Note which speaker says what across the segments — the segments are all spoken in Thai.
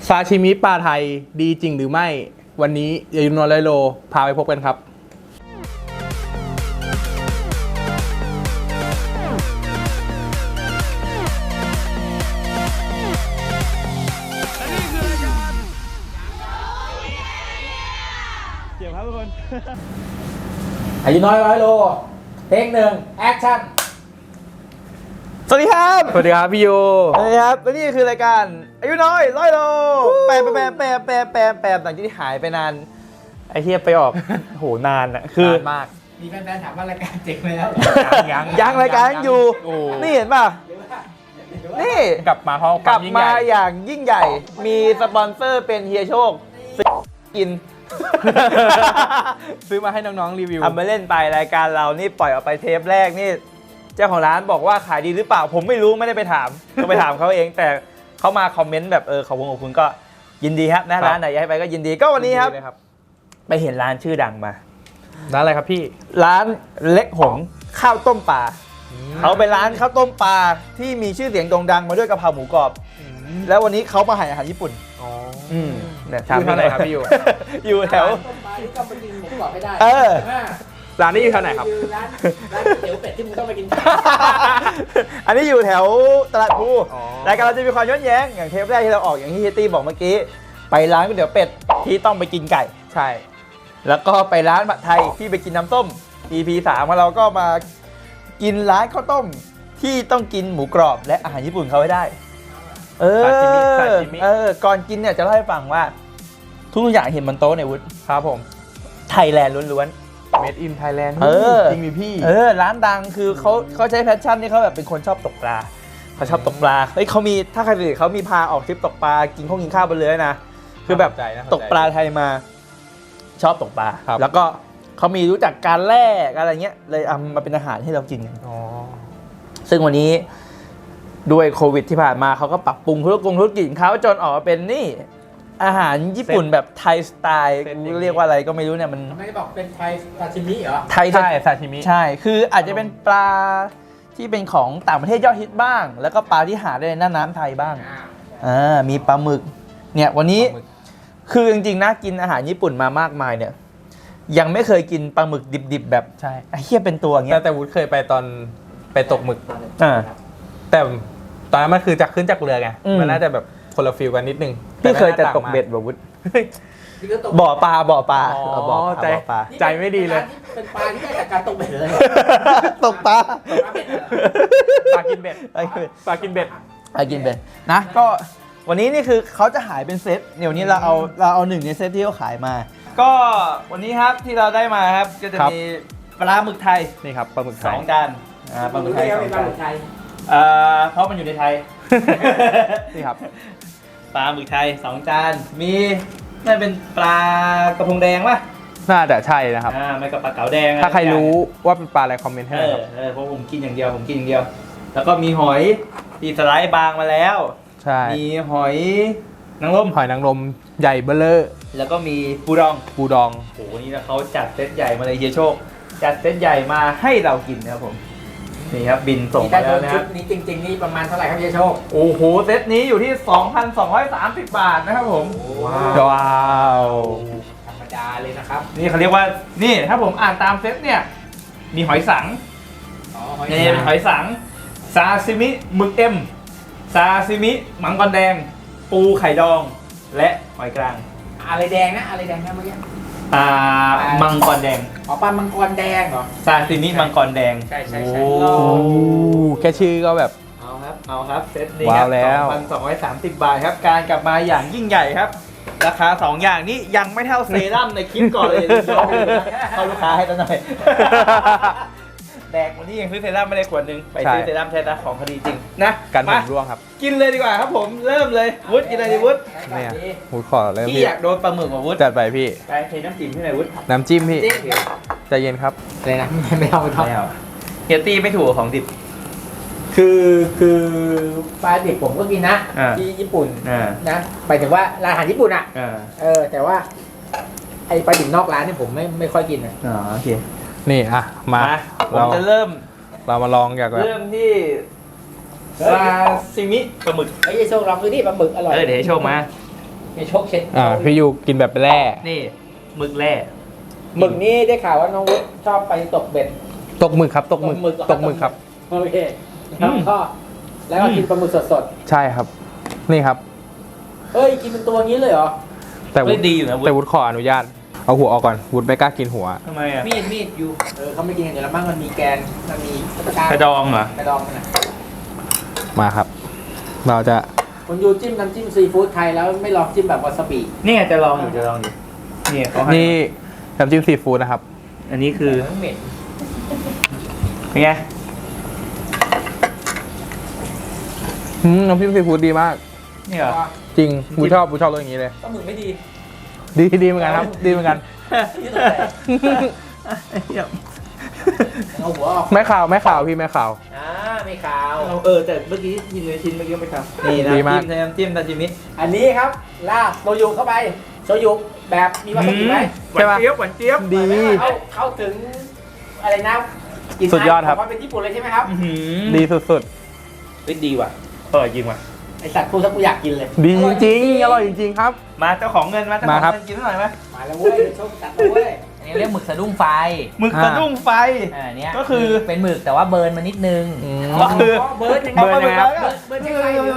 Speaker 1: ซาชิมิปลาไทยดีจริงหรือไม่วันนี้ยายุนนไรโลพาไปพบกันครับเกี่ยวครับทุกคน
Speaker 2: อายุน้อย100 โลเทคหนึ่งแอคชั่น
Speaker 3: สวัสดีครับ
Speaker 1: สวัสดีครับพี่โย
Speaker 3: สวัสดีครับและนี่คือรายการอายุน้อย100 โลแปมหลังจากที่หายไปนานไอ้เทียไปออก โหนานอ่ะคือน
Speaker 1: านมาก
Speaker 2: มีแฟนๆถามว่ารายการเจ๊งไหมแล้ว
Speaker 3: ยังรายการยังอยู่
Speaker 1: โอ้
Speaker 3: นี่เห็นป่ะนี่
Speaker 1: กลับมาเพราะค
Speaker 3: ก
Speaker 1: วา
Speaker 3: ลั
Speaker 1: ม
Speaker 3: บ
Speaker 1: ยิ่ง
Speaker 3: มา
Speaker 1: ใหญ่
Speaker 3: อย่างยิ่งใหญ่มีสปอนเซอร์เป็นเฮียโชคกิน
Speaker 1: ซื้อมาให้น้องๆรีวิว
Speaker 3: ทำไปเล่นไปรายการเรานี่ปล่อยออกไปเทปแรกนี่เจ้าของร้านบอกว่าขายดีหรือเปล่าผมไม่รู้ไม่ได้ไปถามก็ไปถามเขาเองแต่เขามาคอมเมนต์แบบขอบคุณก็ยินดีครับนะร้านไหนอยากให้ไปก็ยินดีก็วันนี้ครับ
Speaker 1: ดีเลย
Speaker 3: ไปเห็นร้านชื่อดังมา
Speaker 1: ร้านอะไรครับพี่
Speaker 3: ร้านเล็กหงข้าวต้มปลาเขาเป็นร้านข้าวต้มปลาที่มีชื่อเสียงโด่งดังมาด้วยกะเพราหมูกรอบแล้ววันนี้เขามาให้อาหารญี่ปุ่น
Speaker 1: อ๋อ
Speaker 3: เนี่ย
Speaker 1: อยู่แถวไหนครับพี่อยู่
Speaker 3: อยู่แถว
Speaker 2: ต้มปลาที่ต้องไปกินหมูกรอบให้ได้
Speaker 3: เออ
Speaker 1: ร้านนี้อยู่แถวไหนครับ
Speaker 2: คือร้านก๋วยเตี๋ยวเป็ดที่มึงต้องไปกิน
Speaker 3: อันนี้อยู่แถวตลาดพลู
Speaker 1: อ๋อ
Speaker 3: รายการเราจะมีความย้อนแย้งอย่างเทปแรกที่เราออกอย่างที่เฮยตี้บอกเมื่อกี้ไปร้านก๋วยเตี๋ยวเป็ดที่ต้องไปกินไก่
Speaker 1: ใช่
Speaker 3: แล้วก็ไปร้านผัดไทยที่ไปกินน้ำส้ม EP 3ของเราก็มากินร้านข้าวต้มที่ต้องกินหมูกรอบและอาหารญี่ปุ่นเขาให้ได้
Speaker 1: ซาชิมิ
Speaker 3: ก่อนกินเนี่ยจะเล่าให้ฟังว่าทุกอย่างเห็นบนโต๊ะเนี่ยวุฒิ
Speaker 1: ครับผม
Speaker 3: ไทยแลนด์ล้วน
Speaker 1: Made in Thailand
Speaker 3: เออ
Speaker 1: จริงมีพี่
Speaker 3: ร้านดังคือเขาใช้แพชชั่นที่เขาแบบเป็นคนชอบตกปลาเขาชอบตกปลาเฮ้ยเขามีถ้าใครดูเขามีพาออกทริปตกปลากินข้าวบนเรือนะคือแบบ
Speaker 1: น่าสนใจ
Speaker 3: ตกปลาไทยมาชอบตกปลา
Speaker 1: ครับ
Speaker 3: แล้วก็เขามีรู้จักการแล่อะไรเงี้ยเลยเอามาเป็นอาหารให้เรากินกัน
Speaker 1: อ๋อ
Speaker 3: ซึ่งวันนี้ด้วยโควิดที่ผ่านมาเขาก็ปรับปรุงธุรกิจของเขาจนออกมาเป็นนี่อาหารญี่ปุ่นแบบไทยสไตล์เรียกว่าอะไรก็ไม่รู้เนี่ยมัน
Speaker 2: ทำไมบอกเป็นไทยซาชิมิเหรอ
Speaker 3: ไทย
Speaker 1: ใช่ซาชิมิ
Speaker 3: ใช่ คืออาจจะเป็นปลาที่เป็นของต่างประเทศยอดฮิตบ้าง แล้วก็ปลาที่หาได้ในหน้าน้ำไทยบ้างมีปลาหมึกเนี่ยวันนี้
Speaker 1: ปลาหมึก
Speaker 3: คือจริงๆนะกินอาหารญี่ปุ่นมามากมายเนี่ยยังไม่เคยกินปลาหมึกดิบๆแบบ
Speaker 1: ใช่
Speaker 3: ไอ้เหี้ยเป็นตัวอย่างเงี้ย
Speaker 1: แต่วุฒิเคยไปตอนไปตกหมึก
Speaker 3: อ่า
Speaker 1: แต่ตอนนั้นมันคือจากขึ้นจากเรือไง
Speaker 3: อืม
Speaker 1: มันน่าจะแบบคนละฟิลกันนิดนึง
Speaker 3: พี่เคยแต่
Speaker 1: น่า
Speaker 3: ตก
Speaker 1: างมา
Speaker 3: เบ็ดแบบวุฒิ
Speaker 2: นี่ก็ตก
Speaker 3: บ่อปลา
Speaker 1: อ๋อ
Speaker 3: บ่อปลา
Speaker 1: ใจ ใจไม่ดีเลย
Speaker 2: เป็นปลาที่ได้จากการตกเบ็ดเลย
Speaker 3: ตกปลา
Speaker 1: ปลากินเบ็ด ปลากินเบ็ด
Speaker 3: ไปกินไปนะก็วันนี้นี่คือเขาจะหายเป็นเซตเดี๋ยวนี้เราเอาหนึ่งในเซตที่เขาขายมา ก็วันนี้ครับที่เราได้มาครับก็จะ
Speaker 1: ครับ
Speaker 3: มีปลาหมึกไทย
Speaker 1: นี่ครับปลาหมึกไท
Speaker 3: ส
Speaker 1: ย
Speaker 3: องจานปลาหมึกไทยสอง
Speaker 2: ปลา
Speaker 3: จาน
Speaker 2: หมึกไทย
Speaker 3: เพราะมันอยู่ในไทย
Speaker 1: นี่ครับ
Speaker 3: ปลาหมึกไทยสองจานมีน่าเป็นปลากระพงแดงป่ะ
Speaker 1: น่าจะใช่นะครับ
Speaker 3: ไม่กับปลาเก๋าแดง
Speaker 1: ถ้าใครรู้ว่าเป็นปลาอะไรคอมเมนต์ให้หน่อยครับ
Speaker 3: เพราะผมกินอย่างเดียวแล้วก็มีหอยที่สไลด์บางมาแล้ว
Speaker 1: ใช่
Speaker 3: มีหอยนางรม
Speaker 1: หอยนางรมใหญ่เบ้อเลอร์
Speaker 3: แล้วก็มีปูดอง
Speaker 1: ปูดอง
Speaker 3: โหนี่นะเขาจัดเซตใหญ่มาเลยเฮียโชค จัดเซตใหญ่มาให้เรากินนะครับผม นี่ครับบินส่ง
Speaker 2: นี่
Speaker 3: มา
Speaker 2: ถ้าโด
Speaker 3: แล้ว
Speaker 2: น
Speaker 3: นะค
Speaker 2: ชุ
Speaker 3: รั
Speaker 2: ด
Speaker 3: บ
Speaker 2: นี้จริง ๆ นี่ประมาณเท่าไหร่ครับเยโชค
Speaker 3: โอ้โหเซตนี้อยู่ที่ 2,230 บาทนะครับผม
Speaker 1: ว้าว
Speaker 2: ธรรมดาเลยนะครับ
Speaker 3: นี่เขาเรียกว่านี่ถ้าผมอ่านตามเซตเนี่ยมีหอยสัง
Speaker 2: อ๋อหอย
Speaker 3: นี่เป็นหอยสังซาซิมิหมึกเอ็มซาซิมิมังกรแดง ปูไข่ดอง และหอยกลาง
Speaker 2: อะไรแดงนะอะไรแดงนะเมื่อกี้
Speaker 3: มังกรแดง
Speaker 2: อ๋อปลามังกรแดงเหรอ
Speaker 3: ซาซิมิมังกรแดง
Speaker 2: ใช่ใช่
Speaker 3: โอ้
Speaker 2: ใช่
Speaker 1: โอ้แค่ชื่อก็แบบ
Speaker 3: เอาครับเซตนี้ค
Speaker 1: ว้า
Speaker 3: รั
Speaker 1: วแล้ว
Speaker 3: 2,230 บาทครับการกลับมาอย่างยิ่งใหญ่ครับ ราคา 2 อย่างนี้ยังไม่เท่าเซรั่มในคลิปก่อนเลย เข้าลูกค้าให้ซะหน่อย แดกวันนี้ยังซื้อเซรั่มไม่ได้ขวดหนึงไปซื้อ
Speaker 1: ใช่
Speaker 3: เซรั่มใช้นะของคดีจริงนะ
Speaker 1: กันผม
Speaker 3: มา
Speaker 1: ร่วงครับ
Speaker 3: กินเลยดีกว่าครับผมเริ่มเลยวุฒิกินอะไรดีวุฒิ
Speaker 1: เนี่ยวุฒิขอเริ่ม
Speaker 3: พี่
Speaker 1: พี่
Speaker 3: อยากโดนปลาหมึกกว่าวุฒิ
Speaker 1: จัดไปพี่
Speaker 3: ไปเทน้ำจิ้มให้หน่อยวุฒิ
Speaker 1: น้ำจิ้มพี่
Speaker 2: จริง
Speaker 1: ใจเย็นครับ
Speaker 2: เลยนะไม่เอาไม่เอา
Speaker 3: ไม่เอาเฮียตี้ไม่ถูกกับของดิบ
Speaker 2: คือปลาดิบผมก็กินนะ
Speaker 3: อ่า
Speaker 2: ที่ญี่ปุ่น
Speaker 3: อ่า
Speaker 2: นะหมายถึงว่าร้านอาหารญี่ปุ่นอ่ะ
Speaker 3: อ่า
Speaker 2: แต่ว่าไอปลาดิบนอกร้านเนี่ยผมไม่ค่อยกินนะ
Speaker 3: อ๋อโอเค
Speaker 1: นี่อ่ะมา
Speaker 3: ผม
Speaker 1: เรา
Speaker 3: จะเริ่ม
Speaker 1: เรามาลองจากแบบ
Speaker 3: เริ่มที่ซาซิมิปลาหมึก
Speaker 2: ไอ้ยโชคลองดูดิปลาหมึกอร่อย
Speaker 3: เดี๋ยวให้โชคมา
Speaker 2: มีโชคเช็ด
Speaker 1: พี่ยูกินแบบแร่
Speaker 3: นี่หมึกแร่
Speaker 2: หมึกนี่ได้ข่าวว่าน้องวุฒิชอบไปตกเบ็ด
Speaker 1: ตกหมึกครับตกหมึก
Speaker 2: เหรอ
Speaker 1: ตกหมึกครับ
Speaker 2: โอเคแล้วก็กินปลาหมึกสด
Speaker 1: ใช่ครับ นี่ครับ
Speaker 2: ๆเฮ้ยกินเป็นตัวงี้เลยเหรอ
Speaker 1: แต่วุ
Speaker 3: ไม่
Speaker 1: ฒิ
Speaker 3: ดีอยู่นะ
Speaker 1: แต่วุฒิขออนุญาตเอาหัวออกก่อนวุฒิไม่กล้ากินหัว
Speaker 3: ทำไมอ่ะ
Speaker 2: มีดอยู่เขาไม่กินกันอยู่แล้วมั้งมันมีแกนมันมี
Speaker 3: กระดองเหรอก
Speaker 2: ระดองมันนะ
Speaker 1: มาครับ เราจะ
Speaker 2: คุณยูจิ้มน้ำจิ้มซีฟู้ดไทยแล้วไม่ลองจิ้มแบบวาซาบิ
Speaker 3: นี่ไงจะลองอยู่นี่เขาให้
Speaker 1: นี่น้ำจิ้มซีฟู้ดนะครับ
Speaker 3: อันนี้คือ
Speaker 2: เหม็น
Speaker 3: เป็นไง
Speaker 1: น้ำจิ้มซีฟู้ดดีมาก
Speaker 3: นี่เหรอ
Speaker 1: จริงวุฒิชอบรสอย่างนี้เลย
Speaker 2: ปลาหมึกไม่ดี
Speaker 1: ดีเหมือนกันครับ ดีเหมือนกัน
Speaker 2: ที่สุดเลยเอาหัวออก
Speaker 1: ไม่ข่าวพี่ไม่ข่าว
Speaker 2: ไม่ขาว
Speaker 3: แต่เมื่อกี้ยินในชิ้นเมื่อกี้ไม่ทำนี่นะ
Speaker 1: ดีมาก
Speaker 3: น้ำจิ้มซาชิมิ
Speaker 2: อันนี้ครับลาบโชยุเข้าไปโชยุแบบมีวาซาบิไหม
Speaker 3: หวานเจี๊ยบหวานเจี๊ยบ
Speaker 1: ดี
Speaker 2: เข้าถึงอะไรนะกลิ่น
Speaker 1: สุดยอดครับ
Speaker 2: ว่าเป็นญี่ปุ่นเลยใช่ไหมครับ
Speaker 1: ดีสุด
Speaker 3: เฮ้ยดีว่ะอร่อยจริงว่ะ
Speaker 2: ไอสัตว์พูดซะกูอยากกินเลย
Speaker 1: ๆ ดีจริงอร่อยจริงๆครับ
Speaker 3: มาเจ้าของเงินมาเจ้าข
Speaker 1: มา
Speaker 3: อง
Speaker 1: ครับ
Speaker 3: เงินกินหน่อยไหม
Speaker 2: มาแล้วเว้ยโชคจัดแล้วเว้ย
Speaker 4: อันนี้เรียกหมึกสะดุ้งไฟ
Speaker 3: หมึกสะดุ้งไฟ
Speaker 4: เนี้ย
Speaker 3: ก็คือ
Speaker 4: เป็นหมึกแต่ว่าเบิร์นมานิดนึง
Speaker 3: ก็คือ
Speaker 2: เบิร์ดยังไง
Speaker 3: เบิร์นยังไงครับ
Speaker 2: เบิร์ดยังไงอยู่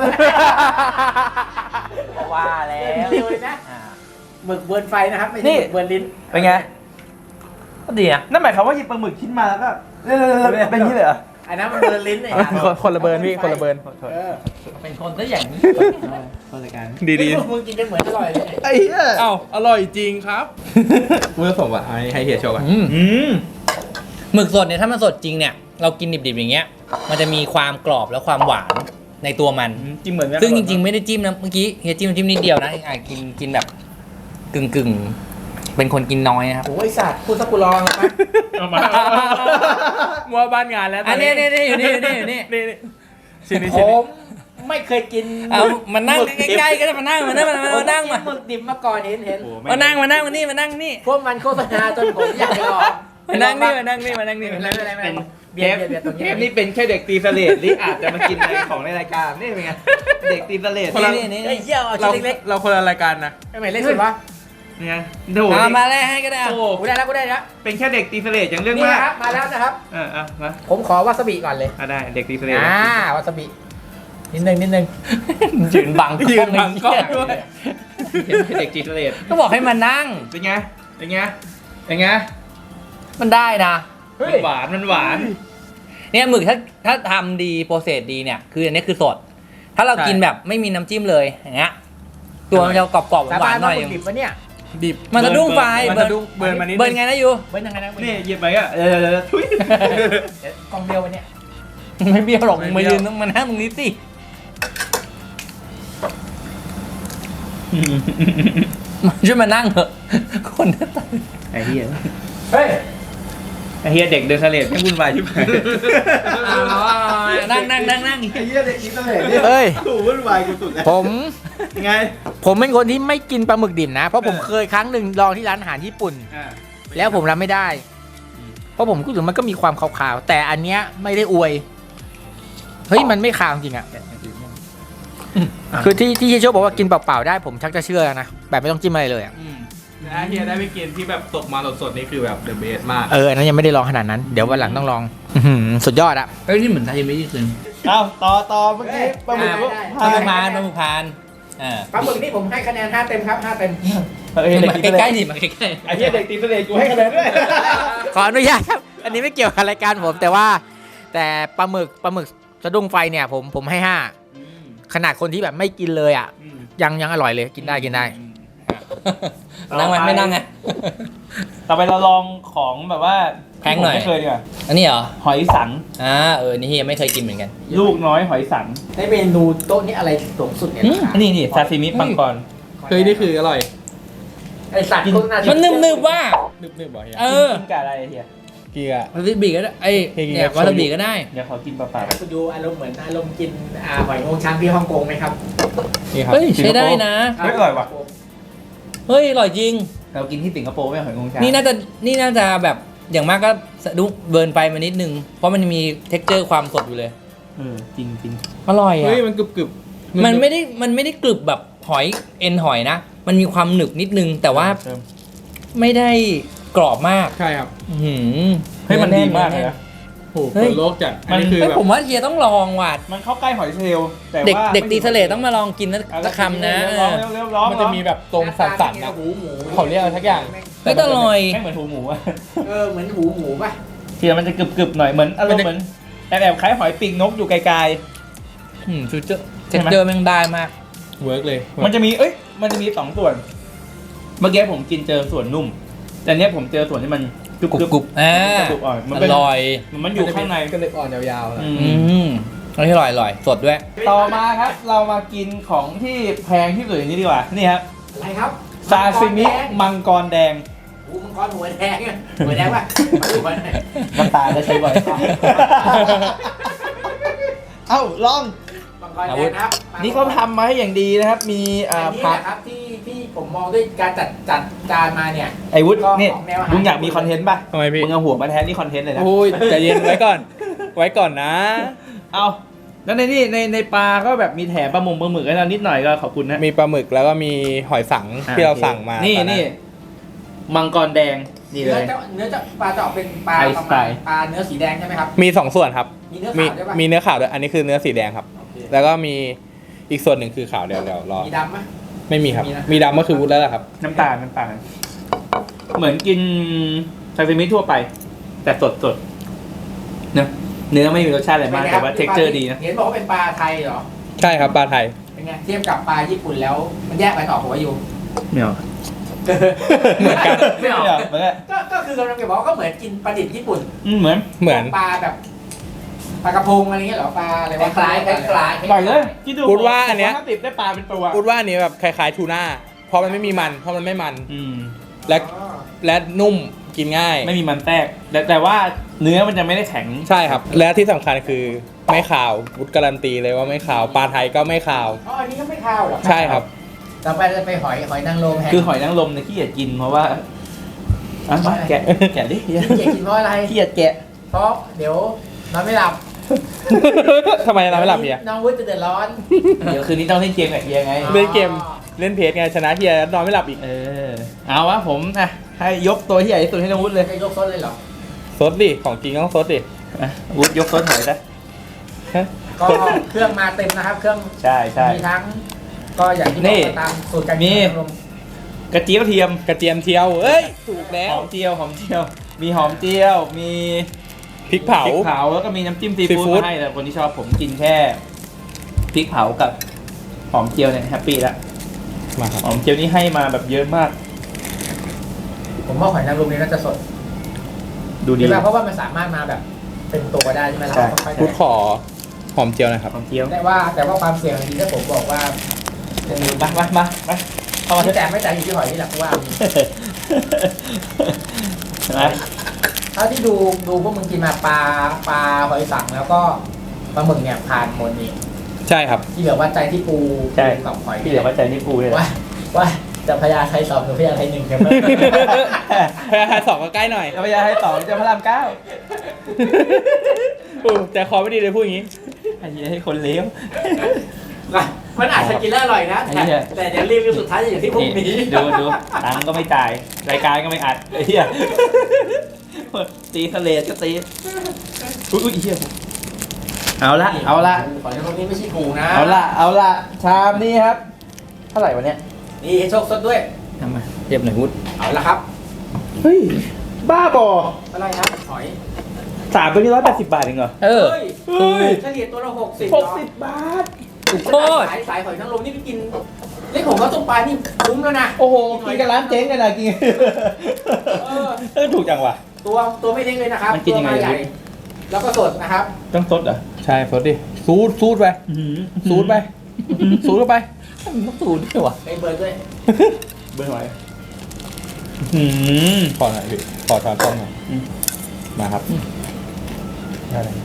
Speaker 4: ว่าแล้ว
Speaker 2: เร็วเลยนะ
Speaker 4: อ่า
Speaker 2: หมึกเบิร์นไฟนะครับไม่
Speaker 3: นี่
Speaker 2: ใช่หมึกเบิร์นลิ้น
Speaker 3: เป็นไง
Speaker 4: ก็ดีนะ
Speaker 3: นั่นหมายความว่าหยิบปลาหมึกชิ้นมาแล้วก็เป็นอย่างนี้เลยเหรอ
Speaker 2: อันนั้นมันเบิร์นลิ้นเนี่ย
Speaker 1: คนละเบิร์นพี่คนละเบิร์น
Speaker 2: เออ
Speaker 4: เป็นคนซะอย่างนี้
Speaker 3: คนละกัน
Speaker 1: ดี
Speaker 2: นี่มึงกินกันเหมือนอร่อยเลย
Speaker 3: ไอ้เหี้ย
Speaker 1: เอ้าอร่อยจริงครับเมื่อสมบัติให้เฮียโชว์ก่อน
Speaker 3: อืม
Speaker 4: หมึกสดเนี่ยถ้ามันสดจริงเนี่ยเรากินดิบๆอย่างเงี้ยมันจะมีความกรอบและความหวานในตัวมัน
Speaker 3: จิ้มเหมือนกัน
Speaker 4: ซึ่งจริงๆไม่ได้จิ้มนะเมื่อกี้เฮียจิ้มนิดเดียวนะกินแบบกึ่งเป็นคนกินน้อยนะครับ
Speaker 2: โอ้ยสัตว์พูดซะกูลองเลยไหม
Speaker 3: เอามา
Speaker 1: มัวบ้านงานแล้ว
Speaker 4: อันนี้อยู่นี่
Speaker 1: ชิ้นนี้
Speaker 2: ผ
Speaker 1: ชิ้นนี้
Speaker 2: มไม่เคยกิน
Speaker 4: เอามานั่งใกล้ๆก็ได้มานั่งมานั่งมา
Speaker 2: ผม
Speaker 4: นั่ง
Speaker 2: กิ
Speaker 4: มาน
Speaker 2: หมึกดิบมาก่อนเห็น
Speaker 4: มานั่งมานี่
Speaker 2: พวกมันโฆษณาจนผมอยากไปลอง
Speaker 4: มานั่งนี่
Speaker 3: เป็น
Speaker 2: เบียร์ตรง
Speaker 3: เท
Speaker 2: นี้
Speaker 3: ปนี่เป็นแค่เด็กตีเสลดที่อาจจะมากินในของในรายการนี่เป็นไงเด็กตีเสลด
Speaker 4: นี่
Speaker 2: ไอ้เหี้ยเอา
Speaker 1: เรา
Speaker 2: ชิ้นเล็ก
Speaker 1: เราคนละรายการนะ
Speaker 2: ๆไอ้ไหนเล็กสุดวะ
Speaker 3: นี่ไงโถ่
Speaker 4: มาแรกให้ก็ได้
Speaker 3: โอ้
Speaker 2: กูได้แล้วกูได้แล้ว
Speaker 3: เป็นแค่เด็กตีเสลดอย่างเรื่อง
Speaker 2: นี่
Speaker 3: มาก
Speaker 2: นะครับมาแล้วนะครับ
Speaker 3: มา
Speaker 2: ผมขอวาซาบิก่อนเลย
Speaker 3: ได้เด็กตีเสลด
Speaker 2: วาซาบินิดนึง
Speaker 4: ยืนบัง
Speaker 1: ยืนบังกล้องด้วย
Speaker 3: เด็กตีเสลด
Speaker 4: ก็บอกให้มานั่ง
Speaker 3: เป็นไงเป็นไงเป็นไง
Speaker 4: มันได้นะ
Speaker 3: มันหวานมันหวาน
Speaker 4: เนี่ยหมึกถ้าทำดีโปรเซสดีเนี่ยคืออันนี้คือสด ถ้าเรากินแบบไม่มีน้ำจิ้มเลยอย่างเงี้ยตัวมันจะกรอบๆหวานๆหน่อย
Speaker 2: ดิบปะเนี่ย
Speaker 1: ดิบ
Speaker 4: มันจะดุ้งไฟ
Speaker 1: มันจะดุ้งเบิร์นมานิด
Speaker 4: เบิร์นไงนะยู
Speaker 2: เว้นยังไงนะ
Speaker 3: นี่หยิบไปอ่ะทุย
Speaker 2: กองเดียววันเนี้ย
Speaker 4: ไม่เบี้ยวหรอกมึงมายืนต้องมานั่งตรงนี้สิช่วยมานั่งเถอะคนหน้าตา
Speaker 3: ไอ้เหี้ย
Speaker 2: เฮ้ย
Speaker 3: ไอ้เหี้ยเด็กเดินเสลดไม่วุ่นวายชิบหาย
Speaker 4: นั่ง
Speaker 3: ไอ้เหี้ยเด็กตีเสลดเนี่ย
Speaker 1: เอ้ย
Speaker 3: ถูวุ่นวายกูสุดแล้ว
Speaker 2: ผม
Speaker 3: ยังไง
Speaker 2: ผมเป็นคนที่ไม่กินปลาหมึกดิบนะ เพราะผมเคยครั้งหนึ่งลองที่ร้านอาหารญี่ปุ่น แล้วผมรับไม่ได้ เพราะผมรู้สึกมันก็มีความขาวๆ แต่อันเนี้ยไม่ได้อวย เฮ้ยมันไม่ขาวจริงอ่ะ คือที่เฮียโชคบอกว่ากินเปล่าๆได้ผมชักจะเชื่อนะ แบบไม่ต้องจิ้มอะไรเลยอ่ะ
Speaker 1: ถ้าเฮียได้ไปกินที่แบบตกมาสดๆนี่คือแบบเดอะเบสมาก
Speaker 2: อันนั้นยังไม่ได้ลองขนาดนั้น เดี๋ยววันหลังต้องลองสุดยอดอะ
Speaker 4: เฮ้ยนี่เหมือนไทยไม่ได้คืน
Speaker 3: เอาต่อเมื่อกี้ปลาหมึก
Speaker 4: ปลาหมึกพาน
Speaker 2: ปลาหมึกนี่ผมให้คะแนน5 เต็มครับ5 เต็ม
Speaker 4: มาใกล้ๆดิมาใกล้
Speaker 3: ไอ้เหี้ยเด็กตีเสลดกูให้คะแนนด้วย
Speaker 2: ขออนุญาตครับ อันนี้ไม่เกี่ยวกับรายการผม แต่ปลาหมึกสะดุ้งไฟเนี่ยผมให้5ขนาดคนที่แบบไม่กินเลยอ่ะยังอร่อยเลยกินได้
Speaker 4: นั่งไหมไม่นั่งไง
Speaker 3: ต่อไปเราลองของแบบว่า
Speaker 4: แพงหน่อย
Speaker 3: ไม่เคยดีกว่า
Speaker 4: อันนี้เหรอ
Speaker 3: หอยสัง
Speaker 4: นี่เฮียไม่เคยกินเหมือนกัน
Speaker 3: ลูกน้อยหอยสัง
Speaker 2: ได้เมนูโต๊ะนี้อะไรสูงสุดเนี่ย
Speaker 3: นี่ซาซิมิปังกร
Speaker 1: เฮ้ยนี่คืออร่อย
Speaker 2: ไอสัตว์ก็น่าจะ
Speaker 4: มันนึบๆว่า
Speaker 1: นึบๆบ่อย
Speaker 3: กินกับอะไรเฮีย
Speaker 1: เกียร์
Speaker 4: วาซาบิก็ได้เนี่ยวาซาบิก็ได้
Speaker 3: เดี๋ยวขอกินเปล่า
Speaker 2: คุณดูอารมณ์เหมือนอารมณ์กินหอยงวงช้างที่ฮ่องกงไหมครับ
Speaker 1: นี่ครับ
Speaker 4: เฮ้ยใช้ได้นะ
Speaker 3: ๆไม่อร่อยว่ะ
Speaker 4: เฮ้ยอร่อยจริง
Speaker 3: เรากินที่สิงคโปร์ไม่หอยงวงช้าง
Speaker 4: นี่น่าจะแบบอย่างมากก็สะดุ้งเบิร์นไฟมานิดนึง เพราะมันมีเท็กเจอร์ความสดอยู่เลย
Speaker 3: จริง
Speaker 4: อร่อยอ่ะ
Speaker 1: เฮ้ยมันกรึบ
Speaker 4: มันไม่ได้กรึบแบบหหอยเอ็นหอยนะ มันมีความหนึบนิดนึง แต่ว่าไม่ได้กรอบมาก
Speaker 1: ใช่ครับ
Speaker 4: อื้อหือ
Speaker 3: เฮ้ยมันดีมากเลยนะ
Speaker 1: โอ้โห
Speaker 4: เฮ้ย
Speaker 1: เปิดโลกจัดอันนี้คือ
Speaker 4: เฮ้ย
Speaker 1: แบบ
Speaker 4: ผมว่าเฮียต้องลองว่ะ
Speaker 3: มันเข้าใกล้หอยเชลล์แต่
Speaker 4: เด็ก
Speaker 3: ว่า
Speaker 4: เด็กตีเสลดต้องมาลองกินสักคำนะ
Speaker 3: ร้องเร็วๆร้อง
Speaker 1: มันจะมีแบบตรงสันๆนะ
Speaker 2: หูหมู
Speaker 1: เขาเรียกอะไรสักอย่าง
Speaker 4: เฮ้ยแต่อร่อย
Speaker 3: ไม่เหมือนหูหมูอะ
Speaker 2: เหมือนหูหมูป่ะ
Speaker 3: เทียมันจะกรึบๆหน่อยเหมือนอารมณ์เหมือนแอบคล้ายหอยปีกนกอยู่ไกล
Speaker 4: อืมฟิวเจอร์
Speaker 3: ใช่
Speaker 4: เท็ก
Speaker 3: ไหม
Speaker 4: เจอร์แม่งได้มาก
Speaker 1: เวิร์กเลย
Speaker 3: ๆมันจะมีมันจะมี2ส่วน เมื่อกี้ผมกินเจอส่วนนุ่ม แต่เนี้ยผมเจอส่วนที่มันกรึบ
Speaker 4: กรุบอ่าก
Speaker 3: รุบอ่อนมัน
Speaker 4: อ
Speaker 3: เป็น
Speaker 4: ร่อย
Speaker 3: มันอยู่ข้างใน
Speaker 1: ก็เลยอ่อนยาวๆนะ
Speaker 3: อื
Speaker 4: อื
Speaker 3: ม
Speaker 4: มอันนี้อร่อยสดด้วย
Speaker 3: ต่อมาครับ เรามากินของที่แพงที่สุดอย่างนี้ดีกว่า นี่ครับ
Speaker 2: อะไรครับ
Speaker 3: ซาซิมิมังกรแดง
Speaker 2: หูมังกรหัวแดงอะหัวแดงป่ะมาดูก่อน
Speaker 3: น้ำตาจะใช้บ่อย เอ้าลอง
Speaker 2: มังกรแดงครับ
Speaker 3: นี่เขาทำมาให้อย่างดีนะครับ มี
Speaker 2: อันนี้
Speaker 3: ผัก
Speaker 2: แหละครับที่ผมมองด้วยการจัดจานมาเนี่ย
Speaker 3: ไอ้วุฒิ
Speaker 2: ก็
Speaker 3: นี่
Speaker 2: ของแนวอาหาร
Speaker 3: มึงอยากมีคอนเทนต์ป่ะ
Speaker 1: ทำไมพี่
Speaker 3: มึงเอาหัวมาแทนนี่คอนเทนต์เลยนะ
Speaker 1: โอ้ยใจเย็นไว้ก่อน ไว้ก่อนนะ
Speaker 3: เอาแล้วในนี่ในปลาก็แบบมีแถมปลาหมึกให้เรานิดหน่อยก็ขอบคุณนะ
Speaker 1: มีปลาหมึกแล้วก็มีหอยสังที่เราสั่งมา
Speaker 3: นี่
Speaker 1: ตอ
Speaker 3: นี่มังกรแดงนี่เลย
Speaker 2: เนื้อจะปลาจะออกเป็นปลา
Speaker 3: ไทย
Speaker 2: ประ
Speaker 3: สไต
Speaker 2: มาณ
Speaker 3: ล์
Speaker 2: ปลาเนื้อสีแดงใช่ไหมครับ
Speaker 1: มี2ส่วนครับ
Speaker 2: มีเนื้อ
Speaker 1: มี
Speaker 2: ขาวด้วยป่ะ
Speaker 1: มีเนื้อขาวด้วย อันนี้คือเนื้อสีแดงครับ
Speaker 2: โอเค
Speaker 1: แล้วก็มีอีกส่วนหนึ่งคือขาวเดี๋ยวรอ
Speaker 2: มีดำไหม
Speaker 1: ไม่มีครับ
Speaker 2: มีนะ
Speaker 1: มีดำก็คือวุ้นแล้วล่ะครับ
Speaker 3: น้ำตาลเหมือนกินซาซิมิทั่วไป แต่สดเนื้อไม่มีรสชาติอะไรมากแต่ว่าเท็กเจอร์ดีนะ
Speaker 2: เห็นบอกว่าเป็นปลาไทยเหรอ
Speaker 1: ใช่ครับปลาไทย
Speaker 2: เป็นไงเทียบกับปลาญี่ปุ่นแล้วมันแยกไปต่อผมว่าอยู่
Speaker 3: ไม่เอา
Speaker 1: เหมือนกัน
Speaker 2: ไม่ออก
Speaker 3: เหมือนกัน
Speaker 2: ก็คือกำลังจะบอกว่าก็เหมือนกินปลาดิบญี่ปุ่น
Speaker 3: เหมือน
Speaker 1: เหมือน
Speaker 2: ปลาแบบปลากระพงอะไรเงี้ยเหรอปลาอะไรวะ
Speaker 4: คล้ายๆคล้ายๆ
Speaker 3: อร่อยเลยคิดดู
Speaker 1: พูดว่าอันเนี้ย
Speaker 3: 50ได้ปลาเป็นตัว
Speaker 1: พูดว่าอันนี้แบบคล้ายๆทูน่าเพราะมันไม่มีมันเพราะมันไม่มัน
Speaker 3: อืม
Speaker 1: และและนุ่มกินง่าย
Speaker 3: ไม่มีมันแทรกแต่ว่าเนื้อมันจะไม่ได้แข็ง
Speaker 1: ใช่ครับ และที่สำคัญคือไม่ขาววุฒิการันตีเลยว่าไม่ขาวปลาไทยก็ไม่ขาว
Speaker 2: อ๋ออันนี้ก็ไม่ข้าวเหรอ
Speaker 1: ใช่ครับ
Speaker 2: ต่อไปจะไปหอยนางรมแห้ง
Speaker 3: คือหอยนางรมเนี่ยขี้เกียจกินเพราะว่าอ่ะมาแกะดิ
Speaker 2: ขี้เกียจกินเพราะอะไร
Speaker 3: ขี้เกียจแกะ
Speaker 2: เพราะเดี๋ยวนอนไม่หลับ
Speaker 1: ทำไมเราไม่หลับเฮีย
Speaker 2: น้องวุฒิจะเดือดร้อน
Speaker 3: เดี๋ยวคืนนี้ต้องเล่นเกมกับเฮียไง
Speaker 2: อ๋อ
Speaker 1: เล่นเกมเล่นเพจไงชนะเฮียนอนไม่หลับอีก
Speaker 3: เอาวะผมอ่ะให้ยกตัวที่ใหญ่ที่สุดให้น้องวุฒิเลย
Speaker 2: จะยกซดเลยเหรอ
Speaker 1: ซดดิของจริงต้องซดดิ
Speaker 3: อ่ะวุฒิยกต้นหอยซะ
Speaker 2: ก็เครื่องมาเต็มนะครับ เครื่อง
Speaker 3: ใช่ใช่
Speaker 2: มีทั้ง ก็อย่างที่บ
Speaker 3: นี่
Speaker 2: อกตามสูตรการ
Speaker 3: มี
Speaker 2: กินนม
Speaker 3: กระเจี๊ยบเทียม
Speaker 1: กระเทียมเทียวเอ้ยถูกแล้
Speaker 3: ห
Speaker 1: ว
Speaker 3: อมเจียวมีหอมเจียว มี
Speaker 1: พริกเผา
Speaker 3: พริกเผาแล้วก็มีน้ำจิ้มซี
Speaker 1: ซี
Speaker 3: ฟู้
Speaker 1: ฟู้
Speaker 3: ด
Speaker 1: ด
Speaker 3: มาให้แต่คนที่ชอบผมกินแค่พริกเผากับหอมเจียวเนี่ยแฮปปี้ละ
Speaker 1: มาครับ
Speaker 3: หอมเจียวนี่ให้มาแบบเยอะมาก
Speaker 2: ผมว่าหอยนางรมนี่น่าจะสด
Speaker 3: ดูดี
Speaker 2: ใช่ไหมเพราะว่ามันสามารถมาแบบเป็นตัวได้ใช่ไหมเรา
Speaker 3: ใช่
Speaker 2: ก็ค่อย
Speaker 1: พุทธขอหอมเจียวหนะครับ
Speaker 3: หอมเจียว
Speaker 2: แต่ว่าความเสี่ยงจริงๆถ้าผมบอกว่า
Speaker 3: มาเข้ามาเถ
Speaker 2: ไม่
Speaker 3: อะ
Speaker 2: แต่ไม่แต่อยู่ที่หอยนี่แหละเพราะว่า
Speaker 3: นะ
Speaker 2: เท่าที่ดูพวกมึงกินมาปลาหอยสังแล้วก็ปลาหมึกเนี่ยผ่านหมดนี่
Speaker 1: ใช่ครับ
Speaker 2: ที่เหลือวัดใจที่ปู
Speaker 3: ใช่
Speaker 2: กับหอย
Speaker 3: พี่เดี๋ยวว่าใจนี่ปูเลย
Speaker 2: ว่าจะพญาไทย2หรือพญาไทย1กัน
Speaker 1: พยาไทยสองก็ใกล้หน่อย
Speaker 3: แล้วพยาให้สองจะพระรามเก้า
Speaker 1: ใจคอไม่ดีเลยพูดอย่างนี้
Speaker 3: ไอ้เหี้ยให้คนเลี้ยว
Speaker 2: มันอาจจะกินแล้วอร่อยนะ
Speaker 3: ไอ้เหี้ย
Speaker 2: แต่เดี๋ยวรีวิวสุดท้ายจะอย่างที่พวกนี้
Speaker 3: ดูตังค์ก็ไม่จ่ายรายการก็ไม่อัดไอ้เหี้ยตีทะเลก็ตีอุ้ยเหี้ยเอาละ
Speaker 2: หอยนางรมนี่ไม่ใช่ถูกนะ
Speaker 3: เอาละชามนี้ครับเท่าไหร่วะเนี่ย
Speaker 2: นี่โชคสดด้วย
Speaker 3: ทำไม
Speaker 4: เรียบหน่อยวุฒ
Speaker 2: เอาละครับ
Speaker 3: เฮ้ยบ้าบอ
Speaker 2: อะไรครับหอย
Speaker 3: 3ตัวนี้180 บาทเองเหรอ
Speaker 4: เออ
Speaker 3: เฮ้ย
Speaker 2: เฉลี่ยตัวละ60
Speaker 3: 60 บาท
Speaker 4: ถูกโคตร
Speaker 2: สายหอยนางรมนี่ไปกินนี่ผมว่าต้มปลานี่คุ้มแล้วนะ
Speaker 3: โอ้โหกินกันร้านเจ๊งกันนะกิน ถูกจังวะ
Speaker 2: ตัวไม่เล็กเลยนะครับ
Speaker 3: มันกินยังไง
Speaker 2: ตัวาใหญ่แล้วก็สดนะครับ
Speaker 3: ต้องซดเหรอ
Speaker 1: ใช่ซดดิซูดไปซูดไปซูดเข้าไป
Speaker 4: ต้องสูตรด้วยวะ
Speaker 2: ไอ้เบิร์ดด้วย
Speaker 3: เบอร์ไหน
Speaker 1: ขอหน่อยพี่ขอช้อนต้มหน่อย
Speaker 3: อืม
Speaker 1: มาครับได้เลย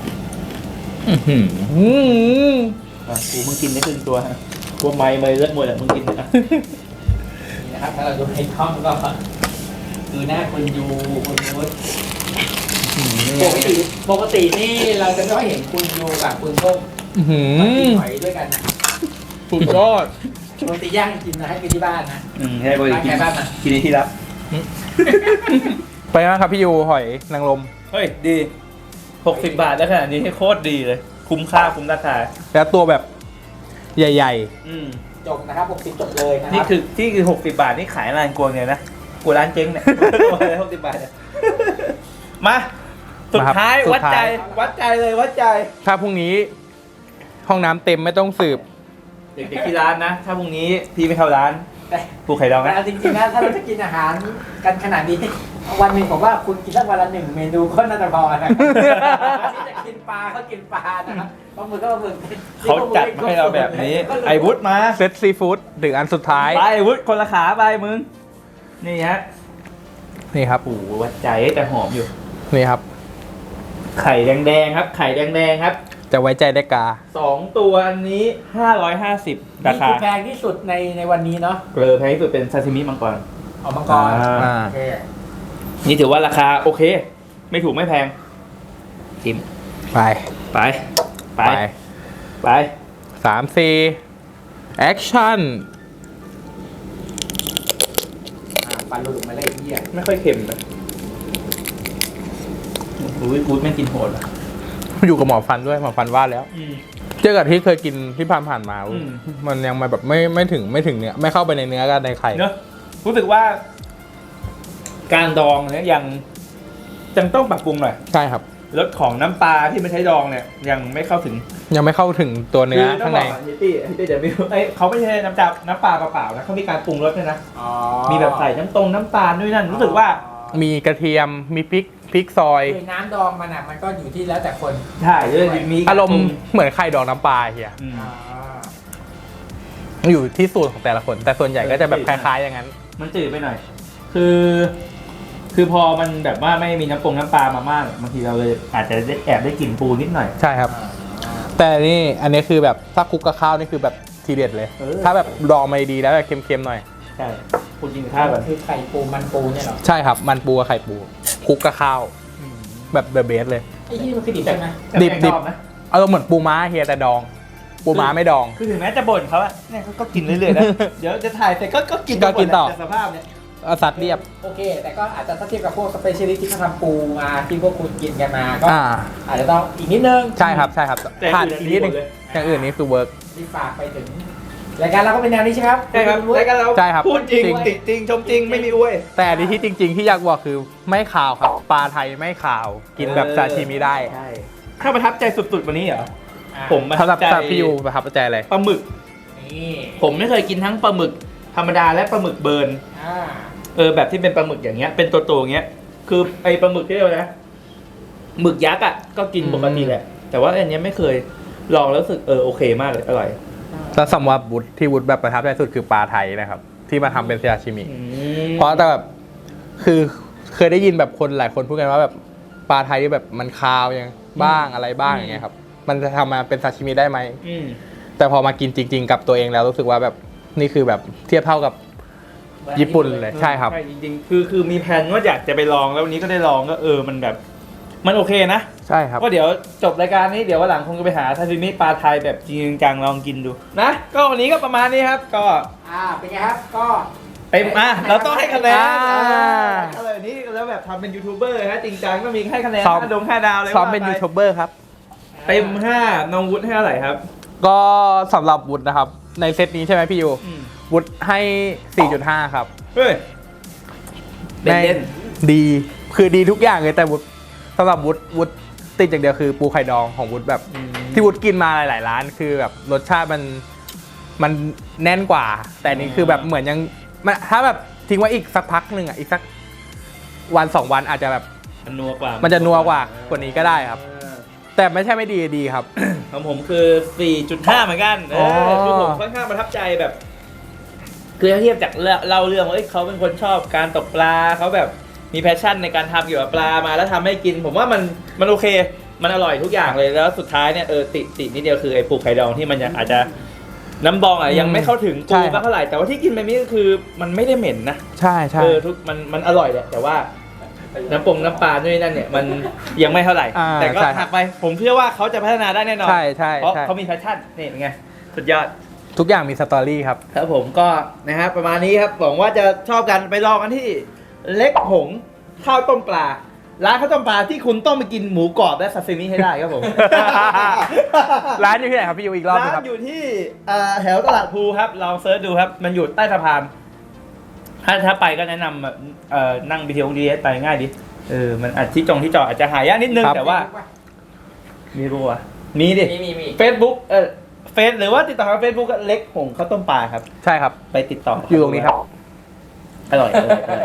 Speaker 3: กูมึงกินได้ครึ่งตัวฮะตัวไม้เมย์เลือดหมดอ่ะมึงกินนะ
Speaker 2: นี่นะครับถ้าเราดูในกล้องก็ดูหน้าคุณยูคุณนุชปกตินี่เราจะไม่ค่อยเห็นคุณยูกับคุณส้ม
Speaker 1: อื้อหื
Speaker 2: มากิน
Speaker 1: อ
Speaker 2: หอยด้วยกันนะ
Speaker 1: สุดยอด
Speaker 2: ปกติย่างกินนะให้กินที่บ้านนะ
Speaker 3: ให้บริกิน
Speaker 2: บ้านนะ
Speaker 3: กินในที่รับ
Speaker 1: ไปมั้งครับพี่ยูหอยนางรม
Speaker 3: เฮ้ยดี60 บาทแล้วขนาดนี้ให้โคตรดีเลย คุ้มค่าคุ้มราคา
Speaker 1: แล้วตัวแบบใหญ่
Speaker 2: จบนะครับ60จบเลยนะค
Speaker 3: นี่
Speaker 2: รับ
Speaker 3: คือ60 บาทนี่ขายร้านกวงเนี่ยนะกูร้านเจ๊งเนี่ย 60 บาทเนี่ยมาสุดท้ายวัดใจเลยวัดใจ
Speaker 1: ๆ ถ้าพรุ่งนี้ห้องน้ำเต็มไม่ต้องสืบ
Speaker 3: เด็กๆที่ร้านนะ ถ้าพรุ่งนี้พี่ไม่เข้าร้าน
Speaker 2: แต่
Speaker 3: ปูไข่ดอง
Speaker 2: แต่
Speaker 3: นะ
Speaker 2: เอาจริงๆนะถ้าเราจะกินอาหารกันขนาดนี้วันหนึ่งผมว่าคุณกินสักวันละ1 เมนูก็น่าจะพอนะครับที่จะกินปลาก็กินปลานะครับปลาหมึกก็ปลาหมึก
Speaker 3: เขาจัดมาให้เราแบบนี้ ไอ้วุฒมา
Speaker 1: เซตซีฟู้ดถึงอันสุดท้าย
Speaker 3: ไปไอ้วุฒคนละขาไปมึง นี่ฮะ
Speaker 1: นี่ครับ
Speaker 3: โอ้โหวัดใจแต่หอมอยู่
Speaker 1: นี่ครับ
Speaker 3: ไข่แดงๆครับ ไข่แดงๆครับ
Speaker 1: จะไว้ใจได้กา
Speaker 3: 2 ตัวอันนี้ 550 รา
Speaker 2: นี่
Speaker 3: คา
Speaker 2: คือแพงที่สุดในวันนี้เนาะ
Speaker 3: แพงที่สุดเป็นซาซิมิมังกร
Speaker 2: เอามังกร
Speaker 1: อ่า
Speaker 2: โอเค
Speaker 3: นี่ถือว่าราคาโอเค ไม่ถูกไม่แพงชิม
Speaker 1: ไป
Speaker 3: ไป ไป ไป
Speaker 1: 3-4 แอคชั่น
Speaker 2: ปันหลุดมาเลยไอ้เหี้ย
Speaker 3: ไม่ค่อยเค็มนะอุ้ยกูดแม่งกินโหดอ่ะ
Speaker 1: อยู่กับหมอฟันด้วยหมอฟันว่าแล้ว เจอกับที่เคยกินที่ผ่านมา
Speaker 3: อืม
Speaker 1: มันยังมาแบบไม่ถึงเนื้อไม่เข้าไปในเนื้อกันในไข่
Speaker 3: เนอะรู้สึกว่า การดองเนี่ยยังต้องปรับปรุงหน่อย
Speaker 1: ใช่ครับ
Speaker 3: รสของน้ำปลาที่ไม่ใช้ดองเนี่ย ยังไม่เข้าถึง
Speaker 1: ยังไม่เข้าถึงตัวเนื้อ
Speaker 3: ต้
Speaker 1: ข้างใน
Speaker 3: บอกฮิตตี้เดี๋ยวไม่รู้เขาไม่ใช่น้ำปลาเปล่าๆนะเขามีการปรุงรสด้วยนะ
Speaker 2: อ๋อ
Speaker 3: มีแบบใส่น้ำตาลด้วยนั่นรู้สึกว่า
Speaker 1: มีกระเทียมมีพริกซอย
Speaker 2: คือน้ำดองมันอ่ะมันก็อยู่ที่แล้วแต่คน
Speaker 3: ใช่ด้วยมี
Speaker 1: อารมณ์เหมือนไข่ดองน้ำปลาเฮีย
Speaker 3: อืม
Speaker 1: อยู่ที่สูตรของแต่ละคน แต่ส่วนใหญ่ก็จะแบบคล้ายๆอย่างนั้น
Speaker 3: มันจืดไปหน่อย คือพอมันแบบว่าไม่มีน้ำปลามามากบางทีเราเลยอาจจะแอบได้กลิ่นปูนิดหน่อย
Speaker 1: ใช่ครับ แต่นี่อันนี้คือแบบถ้าคลุกกับข้าวนี่คือแบบทีเด็ดเลย
Speaker 3: เออ
Speaker 1: ถ้าแบบดองมาดีๆแล้วแบบเค็มๆหน่อย
Speaker 3: ใช่คุณกินข้าวแบบ
Speaker 2: คือไข่ปูมันปูเนี่ยเหรอ
Speaker 1: ใช่ครับ มันปูกับไข่ปูคลุกกับข้าว แบบเดอะเบสเลย
Speaker 2: ไอ้ที่มันคือดิบใช่ไหม
Speaker 1: ดิบ
Speaker 3: ชอบนะ
Speaker 1: อารมณ์เหมือนปูม้าเฮียแต่ดอง ปูม้าไม่ดอง
Speaker 3: คือถึงแม้จะบ่นเขาอะเนี่ยก็กินเรื่อยๆนะ เดี๋ยวจะถ่ายเสร็จก็กิน
Speaker 1: ก็กินต่อ
Speaker 3: แต่สภาพเนี่ย
Speaker 1: เอาสัตว์เรียบ
Speaker 2: โอเค แต่ก็อาจจะถ้าเทียบกับพวกสเปเชียลิสต์ที่เขาทำปูมาที่พวกคุณกินกันมาก็ อาจจะต้องอีกนิดนึง
Speaker 1: ใช่ครับใช่ครับ
Speaker 3: แต่
Speaker 1: ขาด
Speaker 3: อื่น
Speaker 1: อีกนิดนึง
Speaker 3: ดีหมดเลย
Speaker 1: อย่างอื่นนี่คือเวิร์ก
Speaker 2: ที่ฝากไปถึงรายการเราก็เป็นแนวนี้ใช่ไหมครับ
Speaker 3: ใช่ครับรายการเรา
Speaker 1: ใช่ครับ
Speaker 3: พูดจริง
Speaker 1: จริง
Speaker 3: ติดจริงชมจริงไม่มีอวย
Speaker 1: แต่อันนี้ที่จริง ๆ ที่อยากบอกคือไม่ขาวครับ ปลาไทยไม่ขาว กินแบบซาชิมิได้
Speaker 3: ใช่ถ้าประทับใจสุดๆวันนี้เหรอ
Speaker 2: อ่ะ
Speaker 3: ผมประ
Speaker 1: สำห
Speaker 3: ทั
Speaker 1: รั
Speaker 3: บบ ใจ
Speaker 1: พี่ยูประทับใจอะไร
Speaker 3: ปลาหมึก
Speaker 2: นี่
Speaker 3: ผมไม่เคยกินทั้งปลาหมึกธรรมดาและปลาหมึกเบิร์น
Speaker 2: อ่า
Speaker 3: แบบที่เป็นปลาหมึกอย่างเงี้ยเป็นตัวๆอย่างเงี้ยคือไอปลาหมึกที่เรียกว่านะหมึกยักษ์อ่ะก็กินปกติแหละแต่ว่าอันเนี้ยไม่เคยลองแล้วรู้สึกโอเคมากเลยอร่อย
Speaker 1: แล้วสำหรับวุฒที่วุฒแบบประทับใจสุดคือปลาไทยนะครับ ที่มาทำเป็นซาชิมิ เพราะแต่แบบคือเคยได้ยินแบบคนหลายคนพูดกันว่าแบบปลาไทยที่แบบมันคาวยังบ้างอะไรบ้างอย่างเงี้ยครับ มันจะทำมาเป็นซาชิมิได้ไหม แต่พอมากินจริง ๆ กับตัวเองแล้วรู้สึกว่าแบบนี่คือแบบเทียบเท่ากับญี่ปุ่นเลยใช่ครับ
Speaker 3: ใช่จริงๆคือมีแผนว่าอยากจะไปลองแล้ววันนี้ก็ได้ลองก็มันแบบมันโอเคนะ
Speaker 1: ใช่ครับ
Speaker 3: ก็เดี๋ยวจบรายการนี้เดี๋ยววันหลังคงจะไปหาซาซิมิปลาไทยแบบจริงจังลองกินดูนะก็วันนี้ก็ประมาณนี้ครับก็
Speaker 2: เป็นไงครับก็
Speaker 3: เต็มเราต้องให้คะแนน
Speaker 1: อ่า
Speaker 3: อะไรแบบนี้แล้วแบบทำเป็นยูทูบเบอร์ฮะจริงจังก็มีให้คะแนน
Speaker 1: ซ้อม
Speaker 3: 5 ดาวเลย
Speaker 1: ซ้อมเป็น
Speaker 3: ว่า
Speaker 1: ยูทูบเบอร์ครับ
Speaker 3: เต็ม 5น้องวุฒิให้เท่าไหร่ครับ
Speaker 1: ก็สำหรับวุฒินะครับ ในเซตนี้ใช่ไหมพี่ยูวุฒิให้ 4.5 ครับ
Speaker 3: เฮ้ยเล่น
Speaker 1: ดีคือดีทุกอย่างเลยแต่วุฒิสำหรับวุฒิติดอย่างเดียวคือปูไข่ดองของวุฒิแบบ ที่วุฒิกินมาหลายๆร้านคือแบบรสชาติมันแน่นกว่า แต่อันนี้คือแบบเหมือนยังมันถ้าแบบทิ้งไว้อีกสักพักหนึ่งอ่ะอีกสักวัน2 วันอาจจะแบบ
Speaker 3: มันนัวกว่า
Speaker 1: มันจะนัวกว่านี้ก็ได้ครับ แต่ไม่ใช่ไม่ดีดีครับ
Speaker 3: ของผมคือ 4.5 เหมือนกัน
Speaker 1: อ๋อ
Speaker 3: คือผมค่อนข้างประทับใจแบบ คือถ้าเทียบจากเล่าเรื่องว่าเขาเป็นคนชอบการตกปลาเขาแบบมีแพชชั่นในการทำเกี่ยวกับปลามาแล้วทำให้กิน ผมว่ามันโอเค มันอร่อยทุกอย่างเลยแล้วสุดท้ายเนี่ยตินิดเดียวคือไอ้ปูไข่ดองที่มันยังอาจจะน้ำบองยังไม่เข้าถึง
Speaker 1: ใช่
Speaker 3: ปู
Speaker 1: ครับ
Speaker 3: เท่าไหร่แต่ว่าที่กินไปนี้ก็คือมันไม่ได้เหม็นนะ
Speaker 1: ใช่ใช่
Speaker 3: ทุกมันอร่อยแหละแต่ว่าน้ำปลาด้วยนั่นเนี่ยมันยังไม่เท่าไหร่
Speaker 1: อ่า
Speaker 3: แต่ก็
Speaker 1: ใช่ครับ
Speaker 3: หักไปผมเชื่อว่าเขาจะพัฒนาได้แน่นอน
Speaker 1: ใช่ใช่
Speaker 3: เพราะ
Speaker 1: ใช่
Speaker 3: เขามีแพชชั่นนี่เป็นไงสุดยอด
Speaker 1: ทุกอย่างมีสตอรี่ครับ
Speaker 3: ครับผมก็นะครับประมาณนี้ครับหวังว่าจะชอบกันไปลองกันที่เล็กหงข้าวต้มปลาร้านข้าวต้มปลาที่คุณต้องไปกินหมูกรอบและซาซิมิให้ได้ครับผม
Speaker 1: ร้านอยู่ที่ไหนครับพี่ยูอีกรอบหนึ
Speaker 3: ร้าง
Speaker 1: ครับ
Speaker 3: นอยู่ที่แถวตลาดภูครับลองเซิร์ชดูครับมันอยู่ใต้สะพานถ้าไปก็แนะนำนั่ง BTS ไปง่ายดิมันอาจที่จอดอาจจะหายากนิดนึง
Speaker 1: ครับ
Speaker 3: แต่ว่ามีรู้วะมีดิ
Speaker 4: มี
Speaker 3: Facebook เฟซหรือว่าติดต่อทาง Facebook ก็เล็กหงข้าวต้มปลาครับ
Speaker 1: ใช่ครับ
Speaker 3: ไปติดต่อ
Speaker 1: อยู่ตรงนี้ครับ
Speaker 3: อร่อย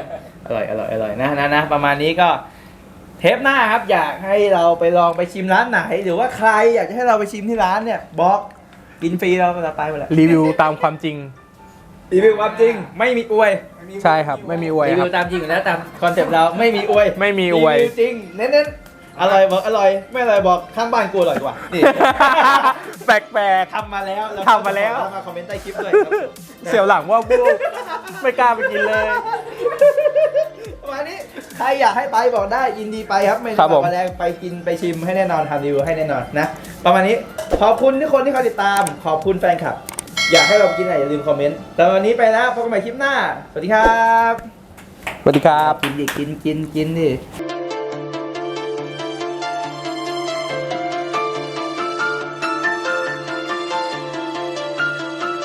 Speaker 3: นะประมาณนี้ก็เทปหน้าครับ อยากให้เราไปลองไปชิมร้านไหน หรือว่าใครอยากจะให้เราไปชิมที่ร้านเนี่ยบอกกินฟรีเราจะไปหมดแหละ
Speaker 1: รีวิวตามความจริง
Speaker 3: รีวิวความจริงไม่มีอวย
Speaker 1: ใช่ครับ ไม่มีอวย
Speaker 3: รี
Speaker 1: ค
Speaker 3: วิ
Speaker 1: รั
Speaker 3: ว
Speaker 1: บ
Speaker 3: ตามจริงอยู่แล้วตามคอนเซ็ปต์เราไม่มีอวย
Speaker 1: ไม่มีอวย
Speaker 3: รีวิวจริงเน้นๆอร่อยบอกอร่อยไม่อร่อยบอกข้างบ้านกูอร่อยกว่านี่
Speaker 1: แปลก
Speaker 3: ทำมาแล้ว
Speaker 1: ทำมาแล้ว
Speaker 3: มาคอมเมนต์ใต้คลิปด้วยครับ
Speaker 1: ๆ เสียวหลังว่าบูไม่กล้าไปกินเลย
Speaker 3: ประมาณนี้ใครอยากให้ไปบอกได้ยินดีไปครับไม่
Speaker 1: ครั
Speaker 3: ต้อบ ง
Speaker 1: ผม
Speaker 3: มาแรงไปกินไปชิมให้แน่นอนทำรีวิวให้แน่นอนนะประมาณนี้ขอบคุณทุกคนที่คอยติดตามขอบคุณแฟนคลับ อยากให้เราไปกินอะไรอย่าลืมคอมเมนต์แต่วันนี้ไปแล้วพบกันใหม่คลิปหน้าสวัสดีครับ
Speaker 1: สวัสดีครับ
Speaker 3: กินดิกินดิ